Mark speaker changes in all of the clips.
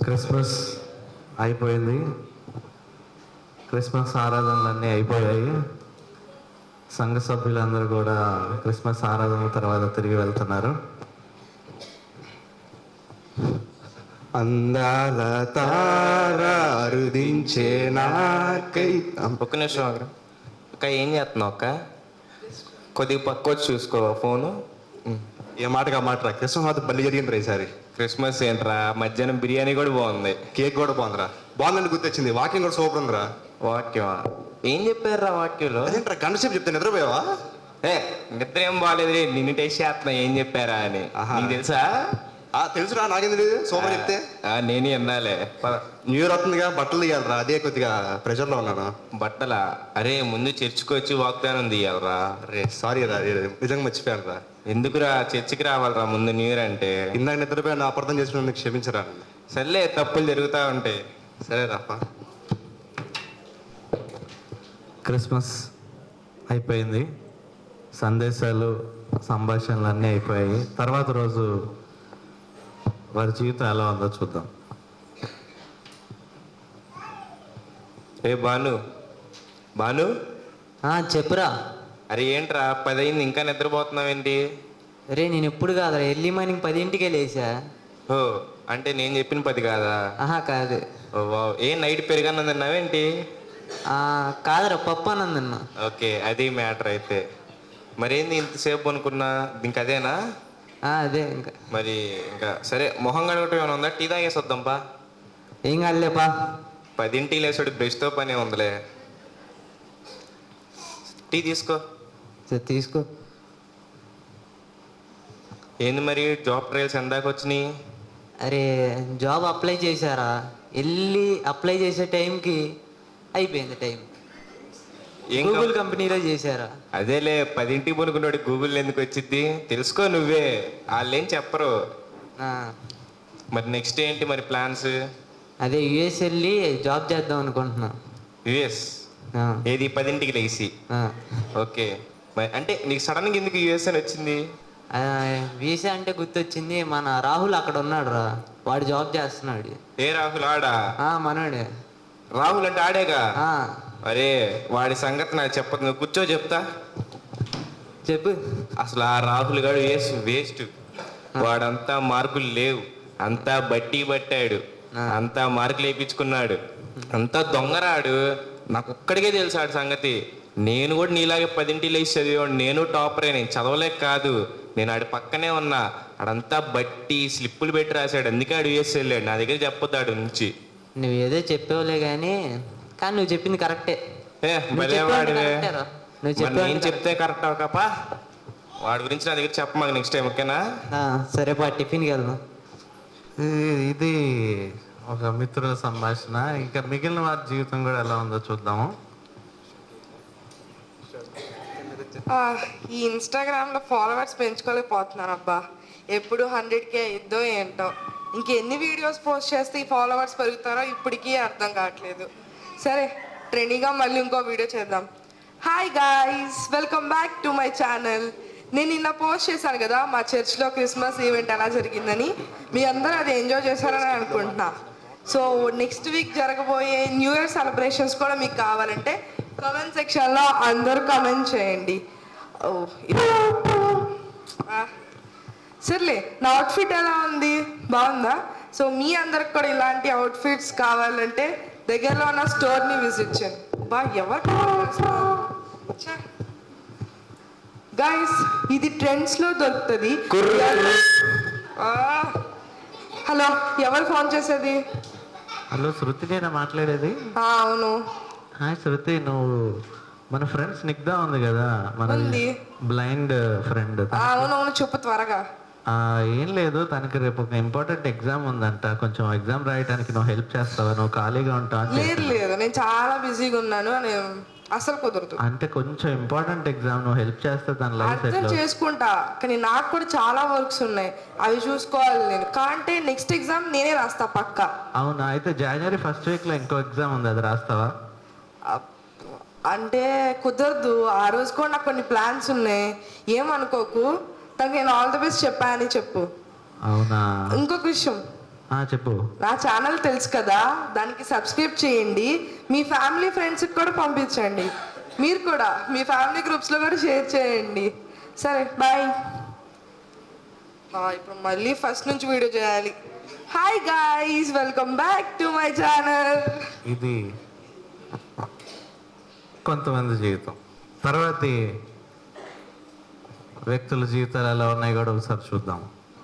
Speaker 1: Christmas అయిపోయింది. Christmas ఆరాధనలన్నీ అయిపోయాయి. సంఘ సభ్యులందరూ కూడా క్రిస్మస్ ఆరాధన తర్వాత తిరిగి వెళ్తున్నారు. అందాల తారారుదించే నాకై.
Speaker 2: ఒక్క నిమిషం ఆగరా. అక్క ఏం చేస్తున్నావు అక్క? కొద్దిగా పక్క వచ్చి చూసుకో ఫోను.
Speaker 1: ఏ మాటగా మాట క్రిస్మస్ మాత్రం బల్లి జరిగింది రా ఈసారి.
Speaker 2: క్రిస్మస్ ఏంట్రా, మధ్యాహ్నం బిర్యానీ కూడా బాగుంది,
Speaker 1: కేక్ కూడా బాగుందిరా. బాగుందని గుర్తొచ్చింది, వాకింగ్ కూడా సూపర్ ఉందిరా.
Speaker 2: వాక్యమా? ఏం చెప్పారురా వాక్యంలో?
Speaker 1: అదేంట్రా గంట సేపు చెప్తే నిద్రపోయావా?
Speaker 2: నిద్ర ఏం బాగాలేదు, నిన్ను టేస్ట్ చేస్తున్నా ఏం చెప్పారా అని. నీకు తెలుసా?
Speaker 1: తెలుసురా, నాకేం తెలియదు. సూపర్ చెప్తే
Speaker 2: నేను విన్నాలే.
Speaker 1: న్యూ ఇయర్ వస్తుందిగా, బట్టలు తీయాలరా, అదే కొద్దిగా ప్రెషర్ లో ఉన్నాను.
Speaker 2: బట్టలా? అరే ముందు చర్చికి వచ్చి వాగ్దానం తీయాలరా.
Speaker 1: అరే సారీ రా, నిజంగా మర్చిపోయాను రా.
Speaker 2: ఎందుకురా చర్చికి రావాలరా ముందు న్యూ ఇయర్ అంటే?
Speaker 1: ఇందాక నిద్రపోయాను, అపార్థం చేసుకున్నందుకు క్షమించరా.
Speaker 2: సర్లే, తప్పులు జరుగుతూ ఉంటాయి.
Speaker 1: సరే రాప్ప. క్రిస్మస్ అయిపోయింది, సందేశాలు సంభాషణలు అన్నీ అయిపోయాయి. తర్వాత రోజు వారి జీవితం ఎలా ఉందో చూద్దాం.
Speaker 2: ఏ భాను, భాను
Speaker 3: చెప్పురా.
Speaker 2: అరే ఏంట్రా 10 అయింది ఇంకా నిద్రపోతున్నావేంటి?
Speaker 3: రే నేను ఎప్పుడు కాదురా, ఎర్లీ మార్నింగ్ 10ంటికే లేచా.
Speaker 2: ఓ అంటే నేను చెప్పిన 10 కాదా?
Speaker 3: కాదు.
Speaker 2: ఓ వావ్. ఏ నైట్ పెరిగాను తిన్నావేంటి?
Speaker 3: కాదురా, పప్పు అన్నందన్నా.
Speaker 2: ఓకే, అది మ్యాటర్ అయితే. మరేంది ఇంతసేపు అనుకున్నా? ఇంక అదేనా?
Speaker 3: అదే ఇంకా.
Speaker 2: మరి ఇంకా సరే, మొహం కడగటం ఏమైనా ఉందా? టీ తాగేసి వద్దాంపా.
Speaker 3: ఏం కాదులేపా.
Speaker 2: 10ంటికి లేసాడు, బ్రష్తో పని ఉందిలే. టీ తీసుకో.
Speaker 3: తీసుకో.
Speaker 2: ఏంది మరి జాబ్ ట్రయల్స్ ఎందాక వచ్చినాయి?
Speaker 3: అరే జాబ్ అప్లై చేశారా, వెళ్ళి అప్లై చేసే టైంకి అయిపోయింది టైం.
Speaker 2: ఏం
Speaker 3: గూగుల్ కంపెనీలో చేశారా?
Speaker 2: అదేలే, 10ంటికి పనుకున్నాడు, గూగుల్ ఎందుకు వచ్చింది తెలుసుకో నువ్వే, వాళ్ళేం చెప్పరు. మరి నెక్స్ట్ ఏంటి మరి ప్లాన్స్?
Speaker 3: అదే యుఎస్ వెళ్ళి జాబ్ చేద్దాం అనుకుంటున్నా.
Speaker 2: యుఎస్? ఏది 10ంటికి లేచి? ఓకే. మరి అంటే నీకు సడన్గా ఎందుకు యుఎస్ అని వచ్చింది?
Speaker 3: వీసా అంటే గుర్తొచ్చింది, మన రాహుల్ అక్కడ ఉన్నాడు రా, వాడు జాబ్ చేస్తున్నాడు.
Speaker 2: ఏ రాహుల్? ఆడా?
Speaker 3: మనోడే.
Speaker 2: రాహుల్ అంటే ఆడేగా? అరే వాడి సంగతి నాకు చెప్పదు, నువ్వు కూర్చో చెప్తా.
Speaker 3: చెప్పు.
Speaker 2: అసలు ఆ రాహుల్ గారు వేస్ట్. వాడంతా మార్కులు లేవు, అంతా బట్టి పట్టాడు, అంతా మార్కులు వేయించుకున్నాడు, అంతా దొంగరాడు. నాకు ఒక్కడికే తెలుసు ఆడి సంగతి. నేను కూడా నీలాగే 10ంటికి లేచి చదివాడు, నేను టాపరే. నేను చదవలేక కాదు, నేను ఆడి పక్కనే ఉన్నా. ఆడంతా బట్టి స్లిప్పులు పెట్టి రాశాడు, అందుకే ఆడు యూఎస్ వెళ్ళాడు. నా దగ్గర చెప్పొద్దు ఆడు నుంచి.
Speaker 3: నువ్వు ఏదో చెప్పేవులే కానీ నువ్వు చెప్పింది కరెక్టే.
Speaker 2: నేను చెప్తే కరెక్ట్ అవకపా. వాడి గురించి నా దగ్గర చెప్పమాక నెక్స్ట్ టైం, ఓకేనా?
Speaker 3: సరేపా, టిఫిన్కి వెళ్దాం.
Speaker 1: ఇది ఒక మిత్రుల సంభాషణ. ఇంకా మిగిలిన వారి జీవితం కూడా ఎలా ఉందో చూద్దాము.
Speaker 4: ఈ ఇన్స్టాగ్రామ్లో ఫాలోవర్స్ పెంచుకోలేకపోతున్నాను అబ్బా. ఎప్పుడు 100K అయిద్దో ఏంటో. ఇంకెన్ని వీడియోస్ పోస్ట్ చేస్తే ఈ ఫాలోవర్స్ పెరుగుతారో ఇప్పటికీ అర్థం కావట్లేదు. సరే, ట్రెండింగ్గా మళ్ళీ ఇంకో వీడియో చేద్దాం. Hi guys, welcome back to my channel. నేను నిన్న పోస్ట్ చేశాను కదా మా చర్చ్లో క్రిస్మస్ ఈవెంట్ ఎలా జరిగిందని. మీ అందరూ అది ఎంజాయ్ చేశారని అనుకుంటున్నా. సో నెక్స్ట్ వీక్ జరగబోయే న్యూ ఇయర్ సెలబ్రేషన్స్ కూడా మీకు కావాలంటే కామెంట్ సెక్షన్లో అందరూ కామెంట్ చేయండి. సర్లే, నా అవుట్ఫిట్ ఎలా ఉంది? బాగుందా? సో మీ అందరికి కూడా ఇలాంటి అవుట్ఫిట్స్ కావాలంటే దగ్గరలో ఉన్న స్టోర్ని విజిట్ చేయండి. ఎవరు గైస్, ఇది ట్రెండ్స్లో దొరుకుతుంది. హలో, ఎవరు ఫోన్ చేసేది?
Speaker 1: హలో శృతి, నేను మాట్లాడేది.
Speaker 4: అవును.
Speaker 1: హాయ్ శృతి, నువ్వు మన ఫ్రెండ్ స్నిగ్ధ ఉంది కదా, మన బ్లైండ్ ఫ్రెండ్.
Speaker 4: అవునవును, చెప్పు త్వరగా.
Speaker 1: ఏం లేదు, తనకి రేపు ఒక ఇంపార్టెంట్ ఎగ్జామ్ ఉందంట. కొంచెం ఎగ్జామ్ రాయడానికి నువ్వు హెల్ప్ చేస్తావా? నువ్వు ఖాళీగా ఉంటావా?
Speaker 4: లేదు, నేను చాలా బిజీగా ఉన్నాను, అసలు కుదరదు.
Speaker 1: అంటే కొంచెం ఇంపార్టెంట్ ఎగ్జామ్, నువ్వు హెల్ప్ చేస్తే తన లైఫ్
Speaker 4: అర్థం చేసుకుంటా, కానీ నాకు కూడా చాలా వర్క్స్ ఉన్నాయి, అవి చూసుకోవాలి నేను. కాంటే నెక్స్ట్ ఎగ్జామ్ నేనే రాస్తా పక్కా.
Speaker 1: అవునా? అయితే జనవరి 1st వీక్లో ఇంకో ఎగ్జామ్ ఉంది, అది రాస్తావా?
Speaker 4: అంటే కుదరదు, ఆ రోజు కూడా నాకు కొన్ని ప్లాన్స్ ఉన్నాయి, ఏమనుకోకు. తనకి నేను ఆల్ ది బెస్ట్ చెప్పానని చెప్పు.
Speaker 1: అవునా?
Speaker 4: ఇంకొక విషయం,
Speaker 1: చెప్పు.
Speaker 4: నా ఛానల్ తెలుసు కదా, దానికి సబ్స్క్రైబ్ చేయండి, మీ ఫ్యామిలీ ఫ్రెండ్స్కి కూడా పంపించండి, మీరు కూడా మీ ఫ్యామిలీ గ్రూప్స్లో కూడా షేర్ చేయండి. సరే బాయ్. ఇప్పుడు మళ్ళీ ఫస్ట్ నుంచి వీడియో చేయాలి. Hi guys, welcome back to my channel.
Speaker 1: ఇది కొంతమంది జీవితం. తర్వాతి వ్యక్తుల జీవితాలు ఎలా ఉన్నాయి కూడా ఒకసారి చూద్దాం.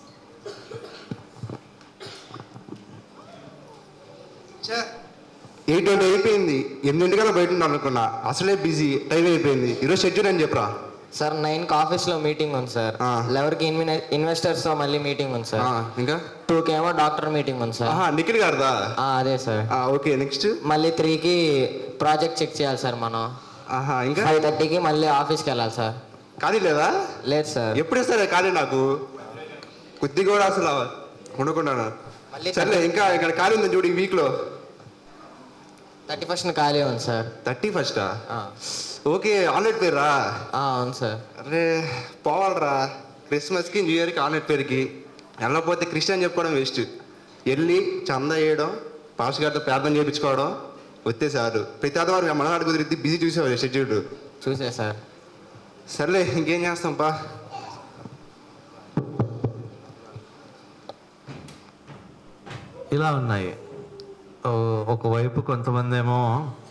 Speaker 5: ఎయిట్ అయిపోయింది, 8 బయట ఉండాలి అనుకున్నా, అసలే బిజీ, టైం అయిపోయింది. ఈరోజు షెడ్యూల్ అని చెప్పరా.
Speaker 6: సార్ 9కి ఆఫీస్లో మీటింగ్ ఉంది సార్. 11కి ఇన్వెస్టర్స్తో మళ్ళీ మీటింగ్ ఉంది సార్.
Speaker 5: ఇంకా
Speaker 6: 2కి ఏమో డాక్టర్ మీటింగ్ ఉంది సార్.
Speaker 5: నిఖిల్ గారిదా?
Speaker 6: అదే సార్.
Speaker 5: ఓకే, నెక్స్ట్
Speaker 6: మళ్ళీ 3కి ప్రాజెక్ట్ చెక్ చేయాలి సార్ మనం.
Speaker 5: ఇంకా
Speaker 6: 5:30కి మళ్ళీ ఆఫీస్కి వెళ్ళాలి సార్.
Speaker 5: ఖాళీ లేదా?
Speaker 6: లేదు సార్.
Speaker 5: ఎప్పుడు ఇస్తారా ఖాళీ? నాకు కొద్దిగా కూడా అసలు ఉండకుండా.
Speaker 6: మళ్ళీ
Speaker 5: సర్లే, ఇంకా ఇక్కడ ఖాళీ ఉంది చూడు ఈ వీక్లో.
Speaker 6: 31st ఖాళీ ఉంది సార్.
Speaker 5: 31st? Okay, online పేరురా?
Speaker 6: అవును సార్.
Speaker 5: అరే పోవాలరా, క్రిస్మస్కి న్యూ ఇయర్కి ఆన్లైన్ పేరుకి వెళ్ళకపోతే క్రిస్టియన్ చెప్పుకోవడం వేస్ట్. వెళ్ళి చందా వేయడం, పాస్ గారితో ప్రార్థన చేయించుకోవడం వస్తే సార్. ప్రతి ఆదివారం మనవాడు కుదిరిద్ది, బిజీ చూసేవాళ్ళు షెడ్యూల్.
Speaker 6: చూసే సార్.
Speaker 5: సర్లే, ఇంకేం చేస్తాం పా.
Speaker 1: ఇలా ఉన్నాయి. ఒకవైపు కొంతమంది ఏమో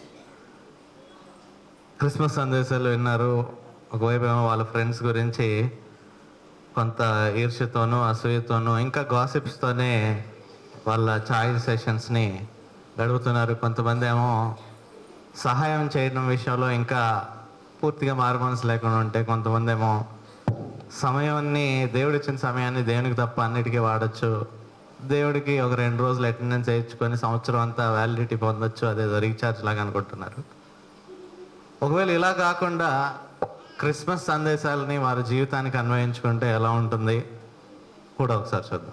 Speaker 1: క్రిస్మస్ సందేశాలు విన్నారు, ఒకవైపు ఏమో వాళ్ళ ఫ్రెండ్స్ గురించి కొంత ఈర్ష్యతోనూ అసూయతోనూ ఇంకా గాసిప్స్తోనే వాళ్ళ చాయ్ సెషన్స్ని గడుపుతున్నారు. కొంతమంది ఏమో సహాయం చేయడం విషయంలో ఇంకా పూర్తిగా మారుమనసు లేకుండా ఉంటే, కొంతమంది ఏమో సమయాన్ని, దేవుడిచ్చిన సమయాన్ని దేవునికి తప్ప అన్నిటికీ వాడచ్చు, దేవుడికి ఒక 2 రోజులు అటెండెన్స్ వేయించుకొని సంవత్సరం అంతా వ్యాలిడిటీ పొందొచ్చు, అదేదో రీఛార్జ్ లాగా అనుకుంటున్నారు. ఒకవేళ ఇలా కాకుండా క్రిస్మస్ సందేశాలని వారి జీవితానికి అన్వయించుకుంటే ఎలా ఉంటుంది కూడా ఒకసారి చూద్దాం.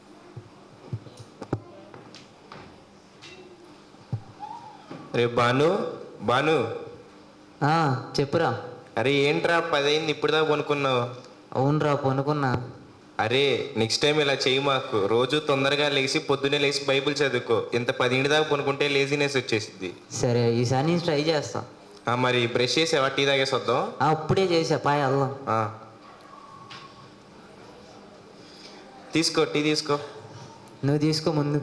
Speaker 2: రే బాను, బాను
Speaker 3: చెప్పురా.
Speaker 2: అరే ఏంట్రా 10 అయింది, ఇప్పుడు దాకా కొనుక్కున్నావు?
Speaker 3: అవునరా, పనుకున్నా.
Speaker 2: అరే నెక్స్ట్ టైం ఇలా చేయి మాకు. రోజు తొందరగా లేచి పొద్దున్నే లేచి బైబిల్ చదువుకో. ఇంత 10 దాకా కొనుక్కుంటే లేజినెస్ వచ్చేసింది.
Speaker 3: సరే, ఈసారి నేను ట్రై చేస్తా.
Speaker 2: మరి బ్రష్ చేసావా? టీ తాగేసి వద్దాం.
Speaker 3: ఇప్పుడే చేసా, పాయ్ వెళ్దాం.
Speaker 2: తీసుకో, టీ తీసుకో.
Speaker 3: నువ్వు తీసుకో ముందు.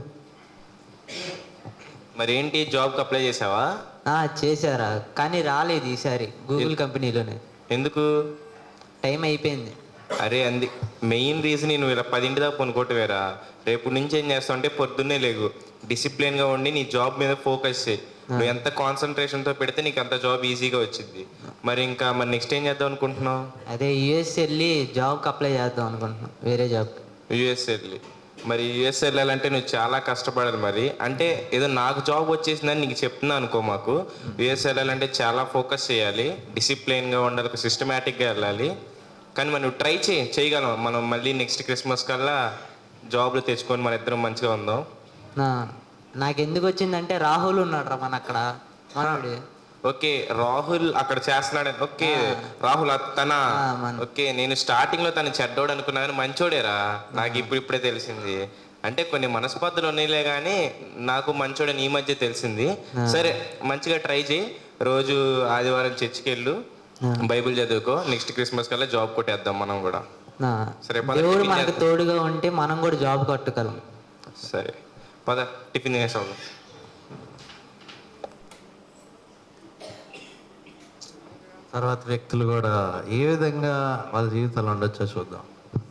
Speaker 2: మరి ఏంటి, జాబ్కి అప్లై చేసావా?
Speaker 3: చేశారా, కానీ రాలేదు ఈసారి. గూగుల్ కంపెనీలోనే.
Speaker 2: ఎందుకు?
Speaker 3: టైం అయిపోయింది.
Speaker 2: అరే మెయిన్ రీజన్ నువ్వు ఇలా 10 దాకా కొనుక్కోవటమేరా. రేపు నుంచి ఏం చేస్తావు అంటే పొద్దున్నే లేగు, డిసిప్లిన్గా ఉండి నీ జాబ్ మీద ఫోకస్ చేయి. నువ్వు ఎంత కాన్సన్ట్రేషన్తో పెడితే నీకు అంత జాబ్ ఈజీగా వచ్చింది. మరి నెక్స్ట్ ఏం చేద్దాం అనుకుంటున్నావు?
Speaker 3: అదే యుఎస్ వెళ్ళి జాబ్కి అప్లై చేద్దాం అనుకుంటున్నాను, వేరే జాబ్.
Speaker 2: యుఎస్ వెళ్ళి? మరి యుఎస్ వెళ్ళాలంటే నువ్వు చాలా కష్టపడాలి. మరి అంటే ఏదో నాకు జాబ్ వచ్చేసిందని నీకు చెప్తున్నా అనుకో. మాకు యుఎస్ వెళ్ళాలంటే చాలా ఫోకస్ చేయాలి, డిసిప్లిన్గా ఉండాలి, ఒక సిస్టమేటిక్గా వెళ్ళాలి. కానీ మనం నువ్వు ట్రై చేయగలం. మనం మళ్ళీ నెక్స్ట్ క్రిస్మస్ కల్లా జాబ్లు తెచ్చుకొని మన ఇద్దరం మంచిగా ఉందాం.
Speaker 3: నాకెందుకు వచ్చిందంటే రాహుల్ ఉన్నాడు రా మన అక్కడ, మనోడు.
Speaker 2: ఓకే, రాహుల్ అక్కడ చేస్తున్నాడు. ఓకే, రాహుల్ తన ఓకే. నేను స్టార్టింగ్ లో తను చెడ్డోడు అనుకున్నా, కానీ మంచోడేరా. నాకు ఇప్పుడిప్పుడే తెలిసింది. అంటే కొన్ని మనస్పర్ధలు ఉన్నాయిలే, కానీ నాకు మంచోడని ఈ మధ్య తెలిసింది. సరే, మంచిగా ట్రై చేయి. రోజు ఆదివారం చర్చికి వెళ్ళు, బైబిల్ చదువుకో. నెక్స్ట్ క్రిస్మస్ కల్లా జాబ్ కొట్టేద్దాం మనం కూడా. సరే,
Speaker 3: దేవుడు మనకు తోడుగా ఉంటే మనం కూడా జాబ్ కట్టుకోగలం.
Speaker 2: సరే పద, టిఫిన్ చేసాం.
Speaker 1: తర్వాత వ్యక్తులు కూడా ఏ విధంగా వాళ్ళ జీవితాలు ఉండొచ్చో చూద్దాం.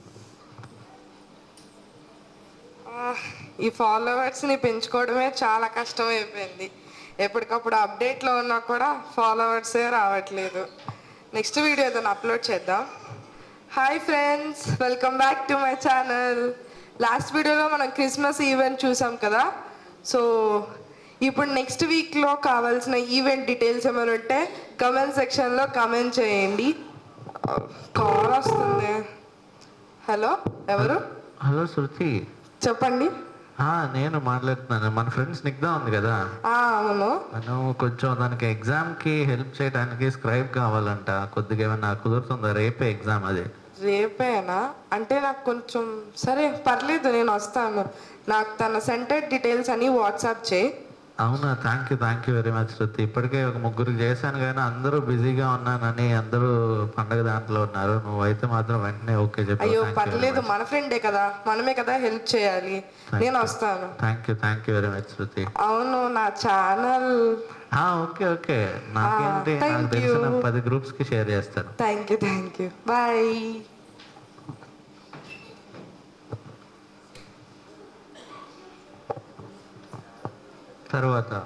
Speaker 4: ఈ ఫాలోవర్స్ని పెంచుకోవడమే చాలా కష్టం అయిపోయింది. ఎప్పటికప్పుడు అప్డేట్లో ఉన్నా కూడా ఫాలోవర్సే రావట్లేదు. నెక్స్ట్ వీడియో ఏదైనా అప్లోడ్ చేద్దాం. Hi friends, welcome back to my channel. Last వీడియోలో మనం క్రిస్మస్ ఈవెంట్ చూసాం కదా. సో ఇప్పుడు నెక్స్ట్ వీక్లో కావాల్సిన ఈవెంట్ డీటెయిల్స్ ఏమైనా ఉంటే కమెంట్ సెక్షన్లో కమెంట్ చేయండి. కాల్ వస్తుంది. హలో, ఎవరు?
Speaker 1: హలో శృతి,
Speaker 4: చెప్పండి.
Speaker 1: నేను మాట్లాడుతున్నాను. మన ఫ్రెండ్స్ స్నిగ్ధ ఉంది కదా,
Speaker 4: అవును.
Speaker 1: మనం కొంచెం దానికి ఎగ్జామ్కి హెల్ప్ చేయడానికి స్క్రైబ్ కావాలంట. కొద్దిగా ఏమన్నా కుదురుతుందా? రేపే ఎగ్జామ్ అది.
Speaker 4: రేపేనా అంటే నాకు కొంచెం సరే పర్లేదు నేను వస్తాను. నాకు తన సెంటర్ డీటెయిల్స్ అని వాట్సాప్ చేయి.
Speaker 1: అవునా, thank you very much Shruti. ఇప్పటికే ఒక ముగ్గురికి చేశాను కానీ అందరూ బిజీగా ఉన్నానని అందరూ పండగ దాంట్లో ఉన్నారు. నువ్వైతే మాత్రం వెంటనే ఓకే చెప్పు.
Speaker 4: అయ్యో పర్లేదు, మన ఫ్రెండే కదా, మనమే కదా హెల్ప్ చేయాలి. నేను వస్తాను.
Speaker 1: Thank you very much Shruti.
Speaker 4: అవును, నా ఛానల్.
Speaker 1: ఓకే నాకేంటి,
Speaker 4: thank
Speaker 1: నాకు తెలిసిన
Speaker 4: you.
Speaker 1: 10 groups కి షేర్ చేస్తాను.
Speaker 4: Thank you bye.
Speaker 1: తర్వాత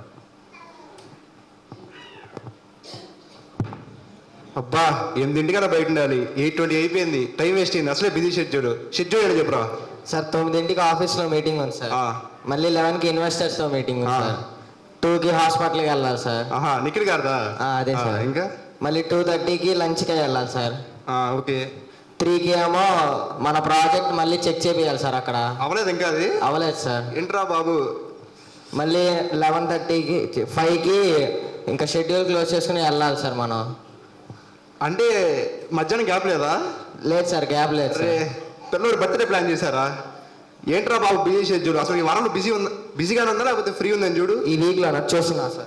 Speaker 5: అబ్బా 8 కదా బయట ఉండాలి, 8:20 అయిపోయింది, టైం వేస్ట్ అయింది. అసలే బిజీ షెడ్యూల్ ఏంటి చెప్పురా.
Speaker 6: సార్ 9కి ఆఫీస్లో మీటింగ్ ఉంది సార్.
Speaker 5: ఆ.
Speaker 6: మళ్ళీ 11కి ఇన్వెస్టర్స్తో మీటింగ్ ఉంది సార్. 2కి హాస్పిటల్కి వెళ్ళాలి సార్.
Speaker 5: ఆహా, నిఖిల్ గారిదా?
Speaker 6: అదే సార్.
Speaker 5: ఇంకా
Speaker 6: మళ్ళీ 2:30కి లంచ్కి వెళ్ళాలి సార్.
Speaker 5: ఓకే.
Speaker 6: 3కి ఏమో మన ప్రాజెక్ట్ మళ్ళీ చెక్ చేపియాలి సార్. అక్కడ
Speaker 5: అవ్వలేదు ఇంకా అది?
Speaker 6: అవ్వలేదు సార్.
Speaker 5: ఏంట్రా బాబు.
Speaker 6: మళ్ళీ 11:30కి 5కి ఇంకా షెడ్యూల్ క్లోజ్ చేసుకుని వెళ్ళాలి సార్ మనం.
Speaker 5: అంటే మధ్యాహ్నం గ్యాప్ లేదా?
Speaker 6: లేదు సార్, గ్యాప్ లేదు
Speaker 5: అరే,
Speaker 6: సార్.
Speaker 5: పిల్లలు బర్త్డే ప్లాన్ చేశారా? ఏంట్రా బాబు బిజీ షెడ్యూల్. అసలు ఈ వారంలో బిజీగానే ఉందా లేకపోతే ఫ్రీ ఉందని చూడు.
Speaker 6: ఈ వీక్లో చూస్తున్నా సార్.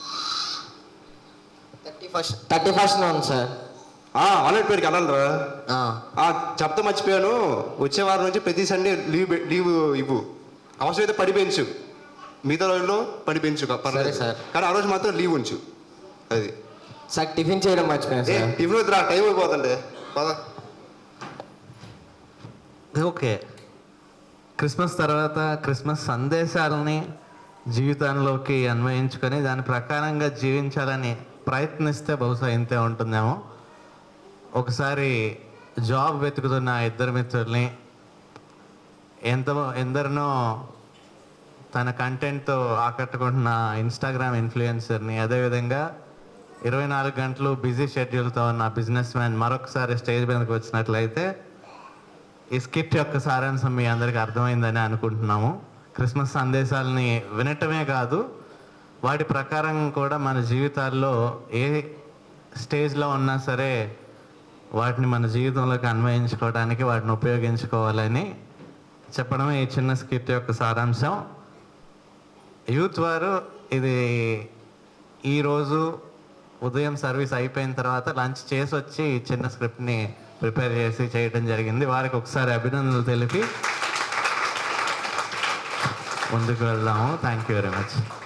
Speaker 6: 31st ఉంది సార్.
Speaker 5: ఆన్లైన్ పేరుకి వెళ్ళాలరా.
Speaker 6: ఆ.
Speaker 5: చెప్తా మర్చిపోయాను, వచ్చే వారం నుంచి ప్రతి సండే లీవ్ ఇవ్వు. అవసరమైతే పడి పెంచు, మిగతా రోజుల్లో పడి పెంచు పర్లేదు
Speaker 6: సార్.
Speaker 5: కానీ ఆ రోజు మాత్రం లీవ్ ఉంచు. అది
Speaker 6: సార్ టిఫిన్ చేయడం మర్చిపోయాను సార్.
Speaker 5: టిఫిన్ వద్దురా, టైం అయిపోతుండే. పదా.
Speaker 1: ఓకే, క్రిస్మస్ తర్వాత క్రిస్మస్ సందేశాలని జీవితంలోకి అన్వయించుకొని దాని ప్రకారంగా జీవించాలని ప్రయత్నిస్తే బహుశా ఇంతే ఉంటుందేమో. ఒకసారి జాబ్ వెతుకుతున్న 2 మిత్రుల్ని, ఎందరినో తన కంటెంట్తో ఆకట్టుకుంటున్న ఇన్స్టాగ్రామ్ ఇన్ఫ్లుయెన్సర్ని, అదేవిధంగా 24 గంటలు బిజీ షెడ్యూల్తో ఉన్న బిజినెస్ మ్యాన్ మరొకసారి స్టేజ్ మీదకి వచ్చినట్లయితే ఈ స్కిట్ యొక్క సారాంశం మీ అందరికీ అర్థమైందని అనుకుంటున్నాము. క్రిస్మస్ సందేశాలని వినటమే కాదు, వాటి ప్రకారం కూడా మన జీవితాల్లో ఏ స్టేజ్లో ఉన్నా సరే వాటిని మన జీవితంలోకి అన్వయించుకోవడానికి, వాటిని ఉపయోగించుకోవాలని చెప్పడమే ఈ చిన్న స్కిట్ యొక్క సారాంశం. యూత్ వారు ఇది ఈరోజు ఉదయం సర్వీస్ అయిపోయిన తర్వాత లంచ్ చేసి వచ్చి ఈ చిన్న స్క్రిప్ట్ని ప్రిపేర్ చేసి చేయడం జరిగింది. వారికి ఒకసారి అభినందనలు తెలిపి ముందుకు వెళ్దాము. Thank you very much.